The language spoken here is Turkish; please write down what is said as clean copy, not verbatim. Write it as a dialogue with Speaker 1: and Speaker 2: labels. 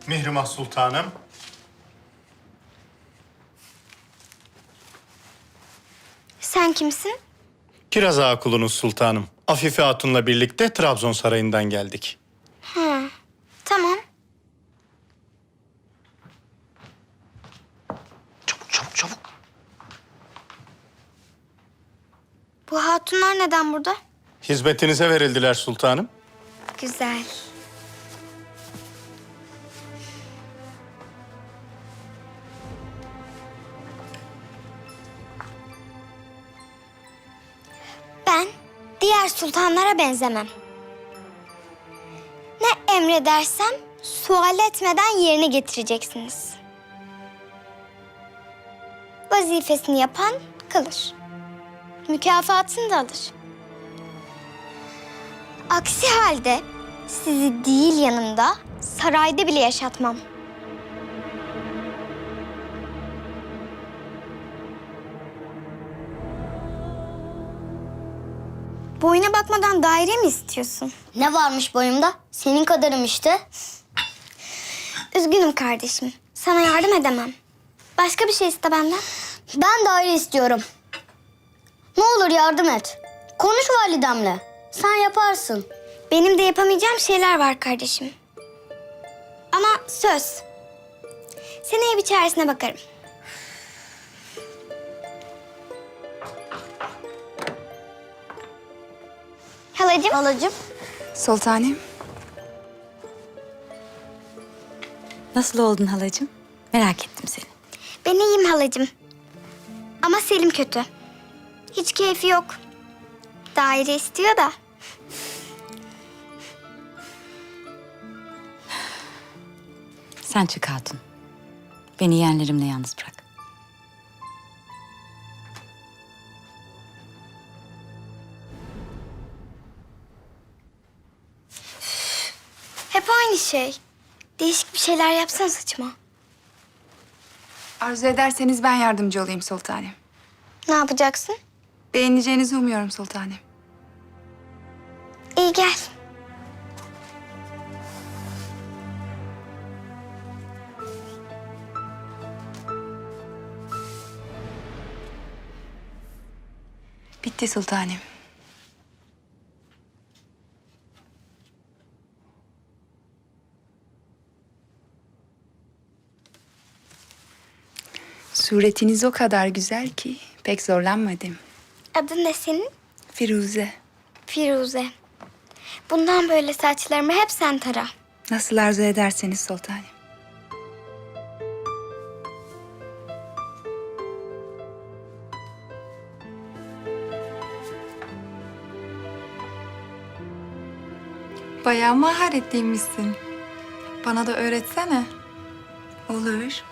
Speaker 1: Mihrimah Sultanım.
Speaker 2: Sen kimsin?
Speaker 1: Kiraz Ağa kulunuz sultanım. Afife Hatun'la birlikte Trabzon Sarayı'ndan geldik.
Speaker 2: Tamam.
Speaker 3: Çabuk.
Speaker 2: Bu hatunlar neden burada?
Speaker 1: Hizmetinize verildiler sultanım.
Speaker 2: Güzel. Ben diğer sultanlara benzemem. Ne emredersem sual etmeden yerine getireceksiniz. Vazifesini yapan kalır. Mükafatını da alır. Aksi halde sizi değil yanımda, sarayda bile yaşatmam. Boyuna bakmadan daire mi istiyorsun?
Speaker 4: Ne varmış boyumda? Senin kadarım işte.
Speaker 2: Üzgünüm kardeşim. Sana yardım edemem. Başka bir şey iste benden.
Speaker 4: Ben daire istiyorum. Ne olur yardım et. Konuş validemle. Sen yaparsın.
Speaker 2: Benim de yapamayacağım şeyler var kardeşim. Ama söz. Seneye bir çaresine bakarım. Halacığım.
Speaker 4: Halacığım.
Speaker 5: Sultanım. Nasıl oldun halacığım? Merak ettim seni.
Speaker 2: Ben iyiyim halacığım. Ama Selim kötü. Hiç keyfi yok. Daire istiyor da.
Speaker 5: Sen çık hatun. Beni yeğenlerimle yalnız bırak.
Speaker 2: Hep aynı şey. Değişik bir şeyler yapsana saçıma.
Speaker 6: Arzu ederseniz ben yardımcı olayım sultanım.
Speaker 2: Ne yapacaksın?
Speaker 6: Beğeneceğinizi umuyorum sultanım.
Speaker 2: İyi gel.
Speaker 6: Bitti sultanım. Suretiniz o kadar güzel ki pek zorlanmadım.
Speaker 2: Adın ne senin?
Speaker 6: Firuze,
Speaker 2: Firuze. Bundan böyle saçlarımı hep sen tara.
Speaker 6: nasıl arzu ederseniz sultanım. Bayağı maharetliymişsin. Bana da öğretsene. Olur.